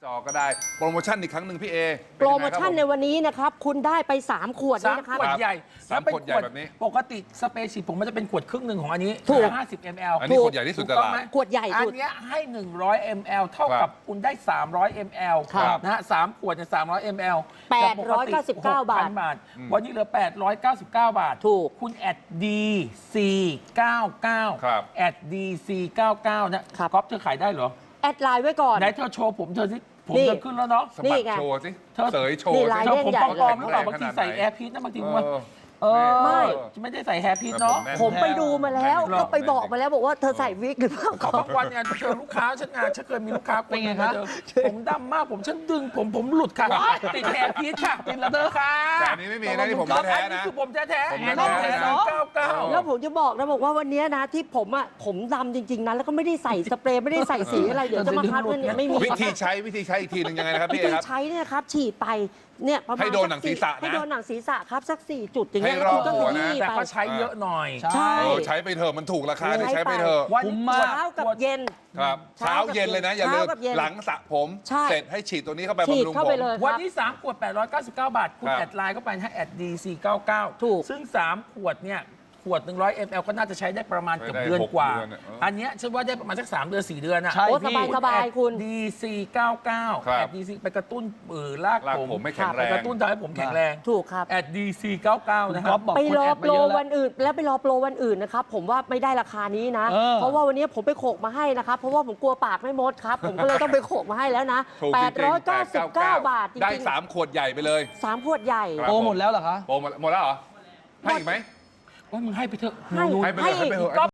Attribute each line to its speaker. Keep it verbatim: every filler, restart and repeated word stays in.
Speaker 1: จอก็ได้โปรโมชั่นอีกครั้งหนึ่งพี่เอ
Speaker 2: โปรโมชั่นในวันนี้นะครับคุณได้ไปสามขวด
Speaker 3: สา
Speaker 2: นี่
Speaker 3: ม
Speaker 2: นะครับ
Speaker 3: ขวดใหญ่
Speaker 1: สามขวดใหญ่แบบนี้
Speaker 3: ปกติสเปรย์ฉีดผมมันจะเป็นขวดครึ่งหนึ่งของอันนี้
Speaker 2: ถูก
Speaker 3: ห้าสิบมิลลิลิตร
Speaker 1: อันนี้ขวดใหญ่ที่สุด
Speaker 3: ถูกต้อง
Speaker 1: ตลาด
Speaker 3: ไหม
Speaker 2: ขวดใหญ่
Speaker 3: อั
Speaker 2: สุ
Speaker 3: น
Speaker 2: ด
Speaker 3: เนี้ยให้หนึ่งร้อยมิลลิลิตร เท่ากับคุณได้สามร้อยมิลลิลิตร
Speaker 2: ครับ
Speaker 3: นะฮะสามขวดเนี่ยสามร้อยมิลลิลิตร
Speaker 2: แปดร้อยเก้าสิบเก้าบาท
Speaker 3: หกพันบาท วันนี้เหลือแปดร้อยเก้าสิบเก้าบาท
Speaker 2: ถูก
Speaker 3: คุณแอด ดี ซี เก้าเก้า
Speaker 1: ครับ
Speaker 3: แอด ดี ซี เก้าเก้านะครับ ก๊อฟเธอขายได้เหรอ
Speaker 2: แอดไลน์ไว้ก่อน
Speaker 3: ไหนเธอโชว์ผมเธอสิผม
Speaker 2: นี่
Speaker 3: เธอขึ้นแล้วเนาะ
Speaker 1: สะ
Speaker 2: นี่
Speaker 1: บัด
Speaker 2: ไง
Speaker 1: โชว์สิ
Speaker 3: เธอ
Speaker 1: เสยโชว์
Speaker 2: นี่
Speaker 1: สิ
Speaker 2: ลาย
Speaker 3: เธอผมปลอมๆหรือเปล่า
Speaker 1: แข็
Speaker 3: บาง
Speaker 1: แร
Speaker 3: ที
Speaker 1: ขนดไหน
Speaker 3: ใส่แอร์พีทนะบางทีผม
Speaker 1: เอ
Speaker 3: ว่า
Speaker 1: อ
Speaker 3: เออ
Speaker 2: ไม่
Speaker 3: ไม่ได้ใส่แฮร์พีทเนาะ
Speaker 1: แน่น
Speaker 2: ผมไปดูมาแล้ว
Speaker 1: แน่น
Speaker 2: ก็ไปบอกมาแล้วบอกว่าเธอใส่วิกหรือเปล่า
Speaker 3: เขาบางวันเนี่ยเจอลูกค้าฉันงานฉันเคยมีลูกค้าคนหนึงมาเจอผมดำมากผมฉันดึงผมผมหลุดค่ะติดแฮร์พีทค่ะติดระเดอค่ะ
Speaker 1: แต่อันนี้ไม่มีนะนี่ผมแท้ๆนะ
Speaker 3: อันนี้คือผมแท้ๆ
Speaker 1: ผม
Speaker 3: แฮร์
Speaker 1: แท้ๆ
Speaker 3: พีท
Speaker 1: นะ
Speaker 3: เก้าเก้า
Speaker 2: แล้วผมจะบอกนะบอกว่าวันนี้นะที่ผมอ่ะผมดำจริงๆนะแล้วก็ไม่ได้ใส่สเปรย์ไม่ได้ใส่สีอะไรเดี๋ยวจะมาคัดว่าเนี่ยไม่มี
Speaker 1: วิธีใช้วิธีใช้อีกทีหนึ่งยังไงนะครับ
Speaker 2: วิ
Speaker 1: พี่เอ
Speaker 2: ธี
Speaker 1: ครับ
Speaker 2: ใช้เนี่ยนะครับฉีดไปเนี่ยประมาณ
Speaker 1: ให้โดนหนังศีรษะนะ
Speaker 2: ให้โดนหนังศีรษะครับสักสี่จุดอย่างเงี้ย
Speaker 1: ให้รอบ
Speaker 2: คุณก็
Speaker 1: หัว
Speaker 2: ข
Speaker 1: นะ
Speaker 2: ยี้
Speaker 3: แต่
Speaker 2: ไป
Speaker 3: ก็ใช้เยอะหน่อย
Speaker 2: ใช่
Speaker 1: เออใช้ไปเถอะมันถูกราคาเนี่ยใช้ไปเถอะ
Speaker 3: วัน
Speaker 4: คุ้ม
Speaker 3: นี้
Speaker 4: มาก
Speaker 2: เช้ากับเย็น
Speaker 1: ครับ
Speaker 2: เช้า
Speaker 1: เช้าเย็นเลยนะ อย่าลืม
Speaker 2: เช้ากับเย็น
Speaker 1: หลังสระผม
Speaker 2: ใช่
Speaker 1: เสร็จให้ฉีดตัวนี้เข้าไป
Speaker 2: ฉีด
Speaker 1: บำรุง
Speaker 2: เข้า
Speaker 1: ผ
Speaker 2: ไป
Speaker 1: ม
Speaker 2: เลยค
Speaker 3: วัน
Speaker 2: รับ
Speaker 3: นี้สามขวดแปดร้อยเก้าสิบเก้าบาท คุณ
Speaker 1: ครับ
Speaker 3: แอดไลน์เข้าไปให้แอด ดี ซี เก้าเก้า
Speaker 2: ถูก
Speaker 3: ซึ่งสามขวดเนี่ยขวดหนึ่งร้อยมิลลิลิตร ก็น่าจะใช้ได้ประมาณเกือบ
Speaker 1: ใช้ได้
Speaker 3: เดือน
Speaker 1: หก
Speaker 3: กว่า
Speaker 1: เดือนอะเอออั
Speaker 3: อันเนี้ยฉันว่าได้ประมาณสักสามเดือนสี่เดือนอะ
Speaker 4: ใช่
Speaker 2: โอ้
Speaker 4: พี่
Speaker 2: สบายๆคุณ
Speaker 3: ดี ซี เก้าเก้า
Speaker 1: ครับ
Speaker 3: แอด ดี ซี ไปกระตุ้นเออลาก
Speaker 1: ลาก
Speaker 3: ผม
Speaker 1: ผมไม่แข็งแรง
Speaker 3: ไปกระตุ้นทำให้ผมแข็งแรง
Speaker 2: ถูกครับ
Speaker 3: แอด ดี ซี เก้าเก้า
Speaker 4: คุณ
Speaker 3: นะค
Speaker 4: ก๊
Speaker 3: รั
Speaker 4: อบ ฟบอก
Speaker 2: ไป
Speaker 4: คุณ
Speaker 2: รอ
Speaker 4: แอด
Speaker 2: โป
Speaker 4: มาร เยอะแล้ว
Speaker 2: วันอื่น แล้วไปรอโปรวันอื่นนะครับผมว่าไม่ได้ราคานี้นะ
Speaker 4: เออ
Speaker 2: เพราะว่าวันนี้ผมไปโขกมาให้นะครับ เพราะว่าผมกลัวปากไม่มดครับ ผมก็เลยต้องไปโขกมาให้แล้วนะ
Speaker 1: ถูกจ
Speaker 2: แป
Speaker 1: ริ
Speaker 2: ด
Speaker 1: งๆ
Speaker 2: ร้อยเก้าสิบเก้า
Speaker 1: แปดร้อยเก้าสิบเก้า
Speaker 2: บาทจริงๆ
Speaker 1: ได้สามขวดใหญ่ไปเลย
Speaker 2: สามขวดใหญ่
Speaker 1: ครับ
Speaker 4: โปรหมดแล้วเหรอคะ
Speaker 1: โปรหมดหมดแล้วเหรอให้อีกไหม
Speaker 3: ว่ามึงให้ไปเถอะ
Speaker 2: ให้
Speaker 3: หนู
Speaker 1: ให้ไปเลยให้ไปเถอะ